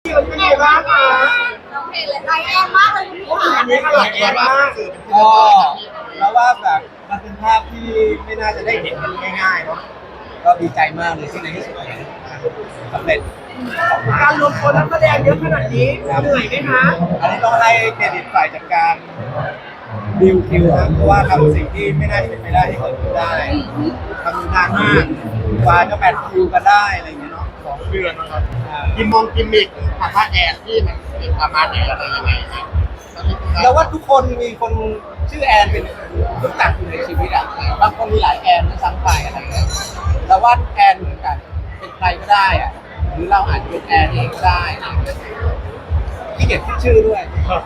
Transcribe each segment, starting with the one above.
พี่วันนี้เป็นไงบ้างคะน้องเพลงเลยไลแอนมากเลยคุณพี่อันนี้อร่อยแอมากก็แล้วว่าแบบมันเป็นภาพที่ไม่น่าจะได้เห็นกันง่ายๆเนาะก็ดีใจมากเลยที่ในที่สุดสำเร็จการรวมตัวนักแสดงเยอะขนาดนี้เหนื่อยไหมคะอันนี้ต้องให้เครดิตฝ่ายจัดการดิวคิวนะเพราะว่าทำสิ่งที่ไม่น่าจะเป็นไปได้ให้เกิดขึ้นได้ทำนานมากกว่าจะแมทคิวกันได้อะไรอย่างเงี้ยเนาะ 2 เดือนนะครับกิมมิกภาษาแอนที่มันเป็นประมาณไหนอะไรยังไงนะแล้วว่าทุกคนมีคนชื่อแอนเป็นรู้จักอยู่ในชีวิตอ่ะบางคนมีหลายแอนด้วยซ้ำไปอะไรเงี้ยแล้วว่าแอนเหมือนกันเป็นใครก็ได้อ่ะหรือเราอาจจะเป็นแอนเองก็ได้นะที่เก็บชื่อด้วย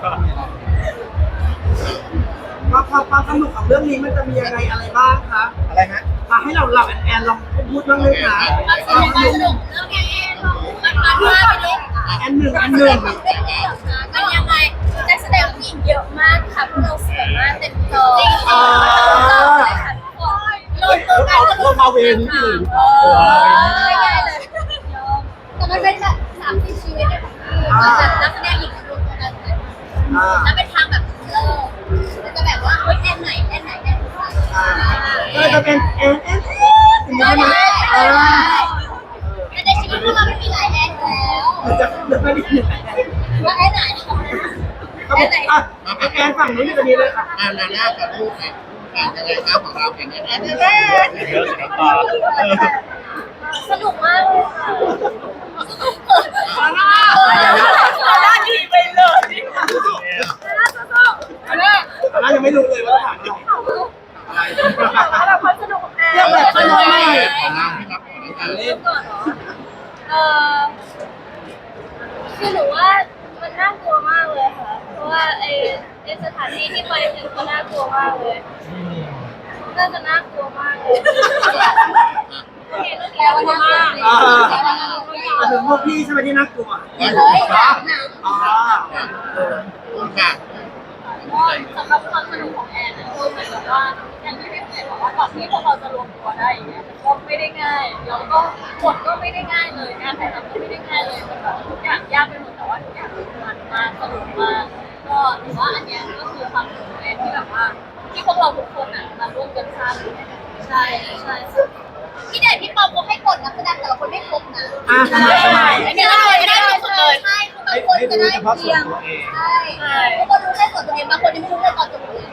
ความสนุกของเรื่องนี้มันจะมีอะไรบ้างคะอะไรนะมาให้เราแอนลองพูดบ้างเลยค่ะความสนุกเรื่องแอนมันมากไปเลยแอนหนึ่งมันยังไงนักแสดงผู้หญิงเยอะมากค่ะพวกเราสวยมากเต็มจอจริงๆเลยค่ะทุกคนลงตัวกันสนุกไม่ได้เลยแต่มันเป็นแบบ30 ชีวิตแบบนักแสดงหญิงรวมตัวกันแล้วเป็นทางแบบจะแบบว่าเฮ้ยแอนไหนก็จะเป็นแอนถึงจะมาในชีวิตพวกเราไม่มีหลายแอนแล้วจะไม่ได้ยินว่าแอนไหนแอนฝั่งนู้นจะมีเลยค่ะนาน่ากับลูกเนี่ยยังไงครับของเราเป็นแอนเยอะสุดตาสนุกมากเลยค่ะน่าดีไปเลยเรายังไม่รู้เลยว่าถามอะไรแบบความสนุกของแอนเรื่องแบบค่อยๆไม่เล่นก่อนเหรอคือหนูว่ามันน่ากลัวมากเลยค่ะเพราะว่าไอ้สถานที่ที่ไปถึงก็น่ากลัวมากเลยน่าจะน่ากลัวมากเลยแต่ว่าน่ากลัวถึงพวกพี่ใช่ไหมที่น่ากลัวค่ะสำหรับความสนุกของแอนคือเหมือนกับว่าอย่างที่พี่เอ๋บอกว่าก่อนที่พวกเราจะรวมตัวได้อย่างเงี้ยก็ไม่ได้ง่ายแล้วก็บทก็ไม่ได้ง่ายเลยงานถ่ายทำก็ไม่ได้ง่ายเลยมันแบบทุกอย่างยากไปหมดแต่ว่าทุกอย่างมันมากสนุกมากก็ถือว่าอันเนี้ยก็คือความสนุกของแอนที่แบบว่าที่พวกเราทุกคนอ่ะมาร่วมกันสร้างใช่พี่เดชพี่ปอมเขาให้กดนักแสดงแต่ละคนไม่ครบนะไม่ได้เลยสุดเลยใช่บางคนจะได้เพียงใช่บางคนรู้แค่ส่วนตัวเองบางคนยังไม่รู้เลยตอนจบเลย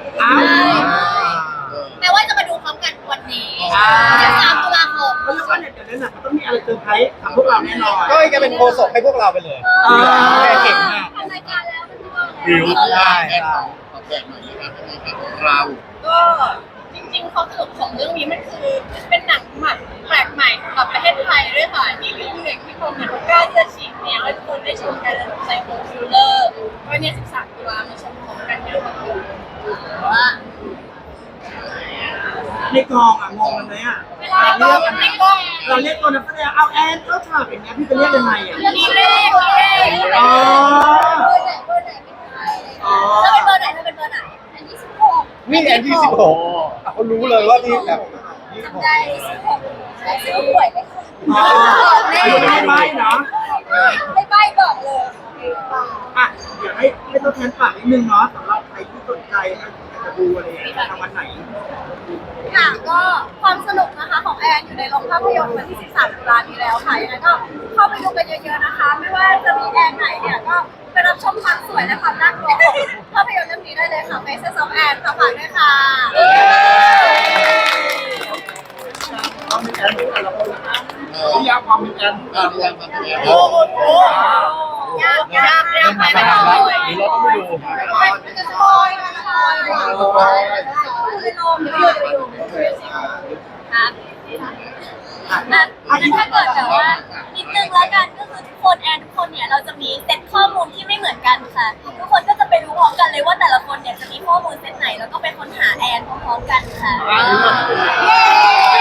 แม้ว่าจะมาดูพร้อมกันวันนี้3 ตุลาคมเพราะว่าเนี่ยเดี๋ยวนั้นมันต้องมีอะไรเซอร์ไพรส์กับพวกเราแน่นอนก็จะเป็นโคศกให้พวกเราไปเลยแม่เก่งมากทำรายการแล้วมันก็วิวได้ขอแบ่งหน่อยนะครับของเราก็จริงๆความสนุกของเรื่องนี้มันคือเป็นหนังใหม่แปลกใหม่สำหรับประเทศไทยด้วยค่ะที่พี่เด็กพี่คมเนี่ยกล้าที่จะฉีกแนวให้ทุกคนได้ชมกันใส่โฮมฟิลเลอร์ก็เนี่ย13 ตุลามาชมพร้อมกันเยอะมากว่าในกองอ่ะงงกันไหมอ่ะเวลาเราในกล้องเราเรียกตัวนักแสดงเอาแอนเข้าฉากอย่างเงี้ยพี่จะเรียกยังไงอ่ะมีเลขเบอร์ไหนเป็นใครถ้าเป็นเบอร์ไหนอัน26 นี่แอนที่16เขารู้เลยว่านี่แบบ26 ได้16ซื้อหวยได้ไม่ใบเนาะไม่ใบบอกเลยอ่ะเดี๋ยวให้ตัวแทนฝากนิดนึงเนาะสำหรับใครที่สนใจนะจะดูอะไรอย่างเงี้ยทางวันไหนค่ะก็ความสนุกนะคะของแอนอยู่ในโรงภาพยนตร์วันที่13 ตุลาคมนี้แล้วค่ะยังไงก็เข้าไปดูกันเยอะๆนะคะไม่ว่าจะมีแอนไหนเนี่ยก็ไปรับชมความสวยและความน่ากลัวของภาพยนตร์เรื่องนี้ได้เลยค่ะ Faces of Anne ค่ะฝากด้วยค่ะนิยามความเป็นแอนนิยามความเป็นแอนโอ้โหยากไปเลยหรือเราต้องไปดูมันจะสปอยล์นะคะเลยลงเดี๋ยวครับถ้าเกิดแต่ว่านิดนึงแล้วกันก็คือทุกคนแอนทุกคนเนี่ยเราจะมีเซตข้อมูลที่ไม่เหมือนกันค่ะทุกคนก็จะไปรู้พร้อมกันเลยว่าแต่ละคนเนี่ยจะมีข้อมูลเซตไหนแล้วก็ไปค้นหาแอนพร้อมๆกันค่ะ